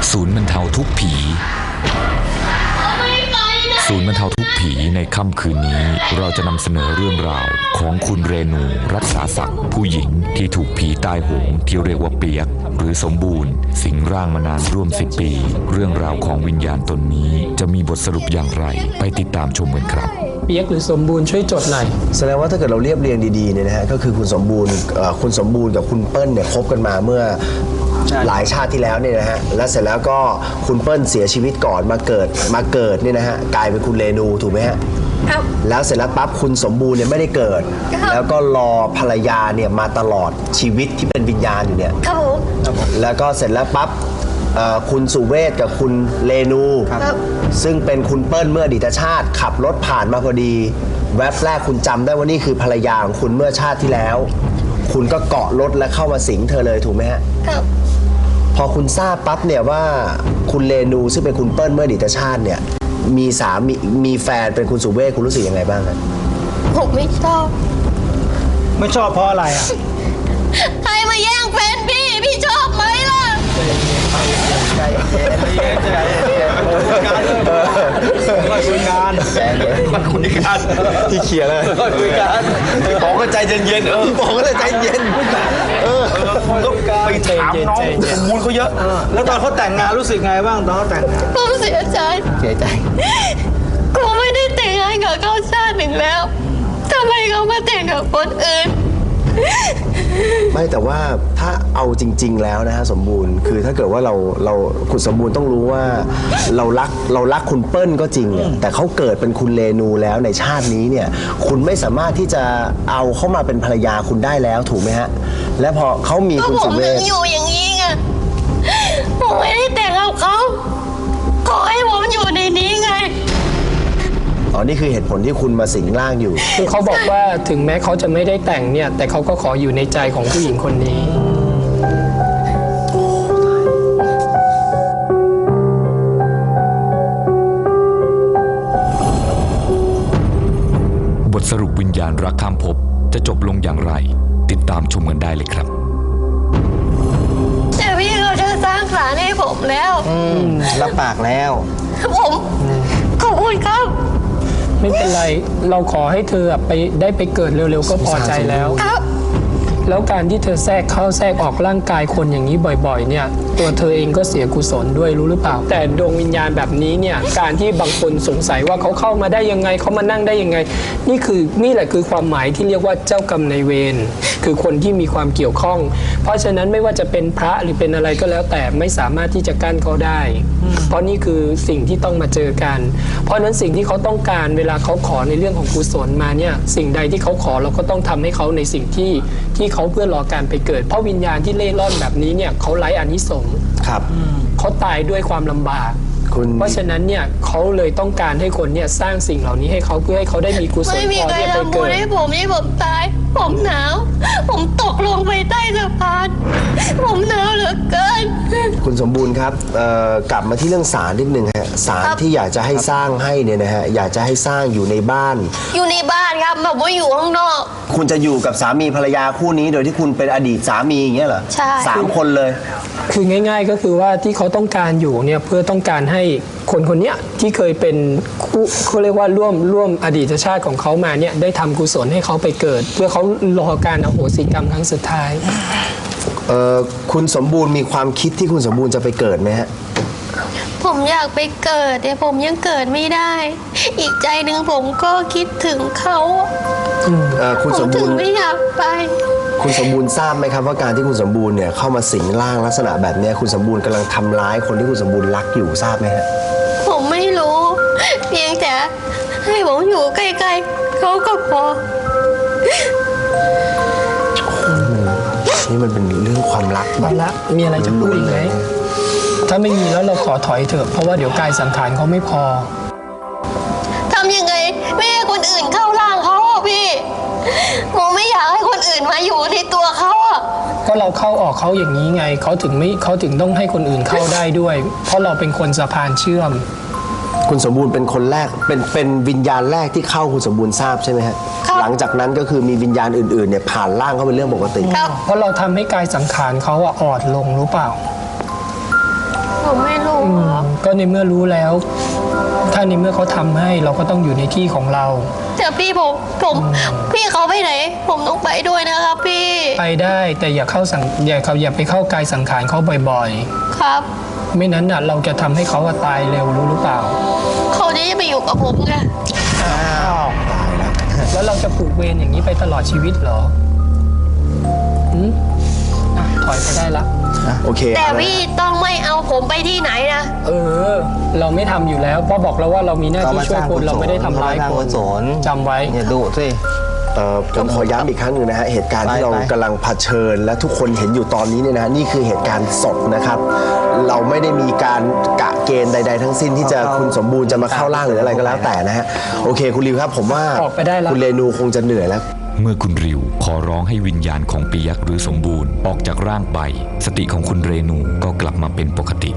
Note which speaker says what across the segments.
Speaker 1: ศูนย์บรรเทาทุกข์ผีศูนย์บรรเทาทุกข์ผีในค่ำคืนนี้เราจะนำเสนอเรื่องราวของคุณเรนูรักษาศักดิ์ผู้หญิงที่ถูกผีใต้โหงที่เรียกว่าเปียกหรือสมบูรณ์สิงร่างมานานร่วม10 ปีเรื่องราวของวิญญาณตนนี้จะมีบทสรุปอย่างไรไปติดตามชมกันครับ
Speaker 2: เปียกหรือสมบูรณ์ช่วยจดหน่อย
Speaker 3: แสดงว่าถ้าเกิดเราเรียบเรียงดีๆเนี่ยนะฮะก็คือคุณสมบูรณ์กับคุณเปิ้ลเนี่ยคบกันมาเมื่อหลายชาติที่แล้วเนี่ยนะฮะและเสร็จแล้วก็คุณเปิ้ลเสียชีวิตก่อนมาเกิดเนี่ยนะฮะกลายเป็นคุณเรนูถูกไหมฮะแล้วเสร็จแล้วปั๊บคุณสมบูรณ์เนี่ยไม่ได้เกิดแล้วก็รอภรรยาเนี่ยมาตลอดชีวิตที่เป็นวิญญาณอยู่เนี่ยแล้วก็เสร็จแล้วปั๊บคุณสุเวศกับคุณเรนูซึ่งเป็นคุณเปิ้ลเมื่ออดีตชาติขับรถผ่านมาพอดีแวบแรกคุณจำได้ว่านี่คือภรรยาของคุณเมื่อชาติที่แล้วคุณก็เกาะรถและเข้ามาสิงเธอเลยถูกไหมฮะครับพอคุณทราบปั๊บเนี่ยว่าคุณเรนูซึ่งเป็นคุณเปิ้ลเมื่ออดีตชาติเนี่ยมีสามีแฟนเป็นคุณสุเวศคุณรู้สึกยังไงบ้างครับ
Speaker 4: ผมไม่ชอบ
Speaker 2: เพราะอะไรอ่ะ
Speaker 4: ใครมาแย่งแฟนพี่ชอบไหมล่ะ
Speaker 2: ใจเย็นคุยกัน
Speaker 3: ที่เขียนเลย
Speaker 2: คุยกัน
Speaker 3: บอกก็ใจเย็นบอกก็ใจเย็น
Speaker 2: ต้องไปถามน้องสมบูรณ์เขาเยอะแล้วตอนเขาแต่งงานรู้สึกไงบ้างตอนเขาแต่งงาน
Speaker 4: ผมเสียใจกูไม่ได้แต่งงานกับเขาชาติหนึ่งแล้วทำไมเขามาแต่งกับคนอื่น
Speaker 3: ไม่แต่ว่าถ้าเอาจริงๆแล้วนะฮะสมบูรณ์คือถ้าเกิดว่าเราคุณสมบูรณ์ต้องรู้ว่าเรารักคุณเปิ้ลก็จริงเนี่ยแต่เขาเกิดเป็นคุณเรนูแล้วในชาตินี้เนี่ยคุณไม่สามารถที่จะเอาเข้ามาเป็นภรรยาคุณได้แล้วถูกไหมฮะและพอเขามีคุณสุเวช
Speaker 4: อยู่อย่างนี้ไงผมไม่ได้แต่งกับเขาขอให้ผมอยู่ในนี้ไง
Speaker 3: อ๋อนี่คือเหตุผลที่คุณมาสิงร่างอยู่
Speaker 2: คือเขาบอกว่าถึงแม้เขาจะไม่ได้แต่งเนี่ยแต่เขาก็ขออยู่ในใจของผู้หญิงคนนี้
Speaker 1: บทสรุปวิญญาณรักข้ามภพจะจบลงอย่างไรติดตามชมกันได้เลยครับ
Speaker 4: แต่พี่เขาจะสร้างศาลให้ผมแล้ว
Speaker 3: รับปากแล้ว
Speaker 4: ผมขอบคุณครับ
Speaker 2: ไม่เป็นไรเราขอให้เธอได้ไปเกิดเร็วๆก็พอใจแล้วแล้วการที่เธอแทรกเข้าแทรกออกร่างกายคนอย่างนี้บ่อยๆเนี่ยตัวเธอเองก็เสียกุศลด้วยรู้หรือเปล่าแต่ดวงวิญญาณแบบนี้เนี่ยการที่บางคนสงสัยว่าเขาเข้ามาได้ยังไงเขามานั่งได้ยังไงนี่แหละคือความหมายที่เรียกว่าเจ้ากรรมนายเวรคือคนที่มีความเกี่ยวข้องเพราะฉะนั้นไม่ว่าจะเป็นพระหรือเป็นอะไรก็แล้วแต่ไม่สามารถที่จะกั้นเขาได้เพราะนี่คือสิ่งที่ต้องมาเจอกันเพราะนั้นสิ่งที่เขาต้องการเวลาเขาขอในเรื่องของกุศลมาเนี่ยสิ่งใดที่เขาขอเราก็ต้องทำให้เขาในสิ่งที่เขาเพื่อรอการไปเกิดเพราะวิญญาณที่เล่ร่อนแบบนี้เนี่ยเขาไร้อานิสงส์
Speaker 3: ครับ
Speaker 2: เขาตายด้วยความลำบากเพราะฉะนั้นเนี่ยเขาเลยต้องการให้คนเนี่ยสร้างสิ่งเหล่านี้ให้เขาเพื่อให้เขาได้มีกุศลพอที่จะไปเกิดไม่มีใครทำบุญ
Speaker 4: ให้ผมตายผมหนาวผมตกลงไปใต้สะพานผมหนาวเหลือเกิน
Speaker 3: คุณสมบูรณ์ครับกลับมาที่เรื่องศาลนิดนึงฮะศาลที่อยากจะให้สร้างให้เนี่ยนะฮะอยากจะให้สร้างอยู่ในบ้าน
Speaker 4: ครับแบบว่าอยู่ข้างนอก
Speaker 3: คุณจะอยู่กับสามีภรรยาคู่นี้โดยที่คุณเป็นอดีตสามีอย่างเงี้ยเหรอ
Speaker 4: ใช่
Speaker 3: 3 คนเลย
Speaker 2: คือง่ายๆก็คือว่าที่เขาต้องการอยู่เนี่ยเพื่อต้องการให้คนนี้ที่เคยเป็นคู่เขาเรียกว่าร่วมอดีตชาติของเขามาเนี่ยได้ทำกุศลให้เขาไปเกิดเพื่อเขารอการอโหสิกรรมครั้งสุดท้าย
Speaker 3: คุณสมบูรณ์มีความคิดที่คุณสมบูรณ์จะไปเกิดไหมฮะ
Speaker 4: ผมอยากไปเกิดแต่ผมยังเกิดไม่ได้อีกใจหนึ่งผมก็คิดถึงเขา
Speaker 3: คุณสมบูรณ์
Speaker 4: ไม่อยากไป
Speaker 3: คุณสมบูรณ์ทราบไหมครับว่าการที่คุณสมบูรณ์เนี่ยเข้ามาสิงร่างลักษณะแบบนี้คุณสมบูรณ์กำลังทำร้ายคนที่คุณสมบูรณ์รักอยู่ทราบไหมฮะ
Speaker 4: ผมไม่รู้เพียงแต่ให้ผมอยู่ใกล้ๆเขาก็พอ
Speaker 3: นี่มันเป็นเรื่องความรัก
Speaker 2: แบบละมีอะไรจะพูดอีกไหมถ้าไม่มีแล้วเราขอถอยเถอะเพราะว่าเดี๋ยวกายสังขารเขาไม่พอ
Speaker 4: ทำยังไงไม่ให้คนอื่นเข้าร่างเขาพี่ผมไม่อยากให้คนอื่นมาอยู่ในตัวเขา
Speaker 2: ก็เราเข้าออกเขาอย่างนี้ไงเขาถึงต้องให้คนอื่นเข้าได้ด้วยเพราะเราเป็นคนสะพานเชื่อม
Speaker 3: คุณสมบูรณ์เป็นคนแรกเป็นวิญญาณแรกที่เข้าคุณสมบูรณ์ทราบใช่ไหมฮะหลังจากนั้นก็คือมีวิญญาณอื่นๆเนี่ยผ่านร่างเขาเป็นเรื่องปกติ
Speaker 2: เพราะเราทำให้กายสังขารเขาอ่อนลงรู้เปล่า
Speaker 4: ผมไม่รู้ครับ
Speaker 2: ก็ในเมื่อรู้แล้ว ถ้าในเมื่อเขาทำให้เราก็ต้องอยู่ในที่ของเรา
Speaker 4: แต่พี่พี่เขาไปไหน ผมต้องไปด้วยนะครับพี่
Speaker 2: ไปได้แต่อย่าอย่าไปเข้ากายสังขารเขาบ่อย
Speaker 4: ครับ
Speaker 2: ๆ ไม่นั้นน่ะเราจะทำให้เขาตายเร็วรู้หรือเปล่า
Speaker 4: เขาจะไปอยู่กับผมไง
Speaker 2: แล้วเราจะผูกเวรอย่างนี้ไปตลอดชีวิตเหรอหืมอ่ะถอยไปได้ละ
Speaker 3: โอเค
Speaker 4: แต่พี่ต้องไม่เอาผมไปที่ไหนนะ
Speaker 2: เราไม่ทำอยู่แล้วเพราะบอกแล้วว่าเรามีหน้าที่ช่วยคนเราไม่ได้ทำร้ายคนจำไว้
Speaker 5: อย่าดุสิ
Speaker 3: ผมขอย้ำอีกครั้งหนึ่งนะฮะเหตุการณ์ที่เรา
Speaker 5: ไป
Speaker 3: กำลังเผชิญ และทุกคนเห็นอยู่ตอนนี้เนี่ยนะนี่คือเหตุการณ์สดนะครับ เราไม่ได้มีการกะเกณฑ์ใด ๆ ทั้งสิ้นที่จะคุณสมบูรณ์จะมาเข้าร่างหรืออะไรก็แล้วแต่นะฮะโอเคคุณริวครับ ผมว่า
Speaker 2: ออกไปได้แล้ว
Speaker 3: คุณเรนูคงจะเหนื่อยแล้ว
Speaker 1: เมื่อคุณริวขอร้องให้วิญญาณของปียักษ์หรือสมบูรณ์ออกจากร่างไป สติของคุณเรนูก็กลับมาเป็นปกติ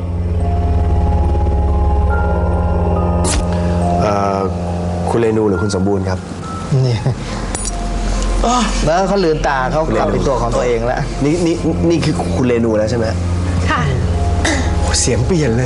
Speaker 3: คุณเรนูหรือคุณสมบูรณ์ครับ
Speaker 5: นี่แล้วเขาลืมตาเขากลับเป็นตัวของตัวเองแล้ว
Speaker 3: นี่คือคุณเรนูแล้วใช่ไหม
Speaker 4: ค่ะ
Speaker 3: โอ้เสียงเปลี่ยนเลย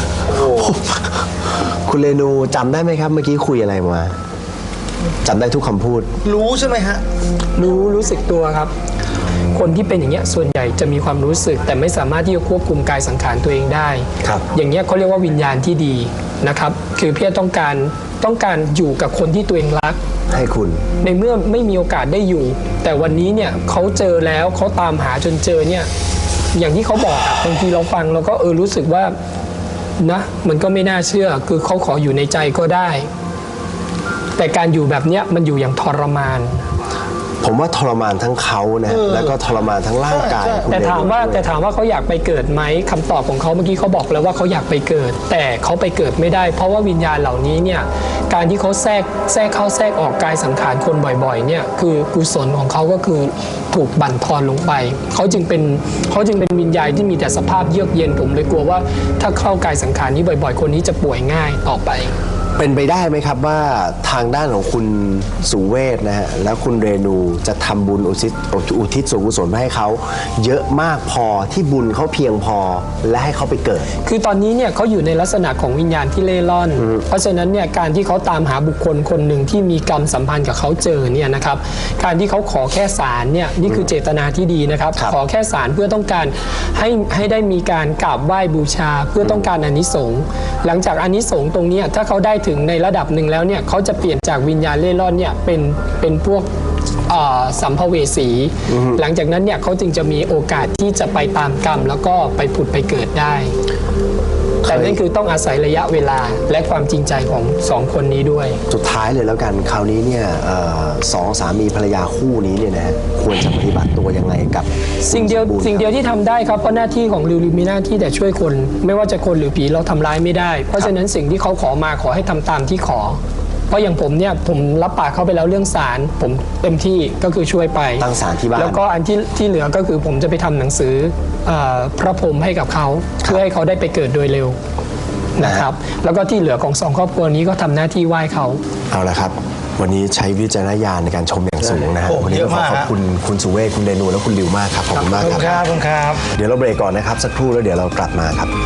Speaker 3: คุณเรนูจำได้ไหมครับ เมื่อกี้คุยอะไรมาจำได้ทุกคำพูด
Speaker 5: รู้ใช่ไหมฮะ
Speaker 2: รู้สึกตัวครับ คนที่เป็นอย่างเงี้ยส่วนใหญ่จะมีความรู้สึก แต่ไม่สามารถที่จะควบคุมกายสังขารตัวเองได้
Speaker 3: ครับ
Speaker 2: อย่างเงี้ยเขาเรียกว่าวิญญาณที่ดีนะครับ คือเพียรต้องการอยู่กับคนที่ตัวเองรัก
Speaker 3: ให้คุณ
Speaker 2: ในเมื่อไม่มีโอกาสได้อยู่ แต่วันนี้เนี่ยเขาเจอแล้วเขาตามหาจนเจอเนี่ยอย่างที่เขาบอกอะบางทีเราฟังเราก็รู้สึกว่านะมันก็ไม่น่าเชื่อคือเขาขออยู่ในใจก็ได้ แต่การอยู่แบบเนี้ยมันอยู่อย่างทรมาน
Speaker 3: ผมว่าทรมานทั้งเขานะแล้วก็ทรมานทั้งร่างกายคุณ
Speaker 2: แต่
Speaker 3: เรนู
Speaker 2: ถามว่า
Speaker 3: ด้วย
Speaker 2: เขาอยากไปเกิดไหมคำตอบของเขาเมื่อกี้เขาบอกแล้วว่าเขาอยากไปเกิด แต่เขาไปเกิดไม่ได้ เพราะว่าวิญญาณเหล่านี้เนี่ยการที่เขาแทรกเข้าแทรกออกกายสังขารคนบ่อยๆเนี่ยคือกุศลของเขาก็คือถูกบั่นทอนลงไปเขาจึงเป็นวิญญาณที่มีแต่สภาพเยือกเย็นผมเลยกลัวว่าถ้าเข้ากายสังขารนี้บ่อยๆ คนนี้จะป่วยง่ายต่อไป
Speaker 3: เป็นไปได้ไหมครับว่าทางด้านของคุณสุเวทนะฮะแล้วคุณเรนูจะทำบุญอุทิศส่วนกุศลให้เขาเยอะมากพอที่บุญเขาเพียงพอและให้เขาไปเกิด
Speaker 2: คือตอนนี้เนี่ยเขาอยู่ในลักษณะของวิญญาณที่เล่ร่อน เพราะฉะนั้นเนี่ยการที่เขาตามหาบุคคลคนหนึ่งที่มีกรรมสัมพันธ์กับเขาเจอเนี่ยนะครับการที่เขาขอแค่ศาลเนี่ยนี่คือเจตนาที่ดีนะครับ
Speaker 3: ครับ
Speaker 2: ขอแค่ศาลเพื่อต้องการให้ได้มีการกราบไหว้บูชา เพื่อต้องการอานิสงส์หลังจากอานิสงส์ตรงเนี้ยถ้าเขาได้ถึงในระดับหนึ่งแล้วเนี่ยเขาจะเปลี่ยนจากวิญญาณเล่ร่อนเนี่ยเป็นพวกสัมภเวสี หลังจากนั้นเนี่ยเขาจึงจะมีโอกาสที่จะไปตามกรรมแล้วก็ไปผุดไปเกิดได้ แต่นั่นคือต้องอาศัยระยะเวลาและความจริงใจของสองคนนี้ด้วย
Speaker 3: สุดท้ายเลยแล้วกันคราวนี้เนี่ยสองสามีภรรยาคู่นี้เนี่ยนะฮะควรจะปฏิบัติตัวยังไงกับ
Speaker 2: สิ่งเดียวที่ทำได้ครับเพราะหน้าที่ของริวมีหน้าที่แต่ช่วยคน ไม่ว่าจะคนหรือผีเราทำร้ายไม่ได้ เพราะฉะนั้นสิ่งที่เขาขอมาขอให้ทำตามที่ขอ เพราะอย่างผมเนี่ยผมรับปากเขาไปแล้วเรื่องศาลผมเต็มที่ก็คือช่วยไป
Speaker 3: ตั้งศาลที่บ้าน
Speaker 2: แล้วก็อันที่เหลือก็คือผมจะไปทำหนังสือพระพรหมให้กับเขาเพื่อให้เขาได้ไปเกิดโดยเร็วนะครับแล้วก็ที่เหลือของสองครอบครัวนี้ก็ทำหน้าที่ไหว้เขา
Speaker 3: เอาละครับ วันนี้ใช้วิจารณญาณในการชมอย่างสูงนะฮะ
Speaker 5: โอ้
Speaker 3: วันนี้
Speaker 5: เย
Speaker 3: ก็
Speaker 5: อะ
Speaker 3: ขอ
Speaker 5: มาก
Speaker 3: ขอบ
Speaker 5: ฮะ
Speaker 3: คุณสุเวทคุณเรนูและคุณริวมากครับขอบคุณมากครับ
Speaker 5: ขอบคุณครับ
Speaker 3: เดี๋ยวเราเบรกก่อนนะครับสักครู่แล้วเดี๋ยวเรากลับมาครับ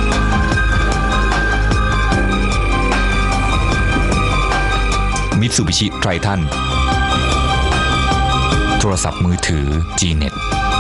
Speaker 1: มิตซูบิชิไททันโทรศัพท์มือถือ Gnet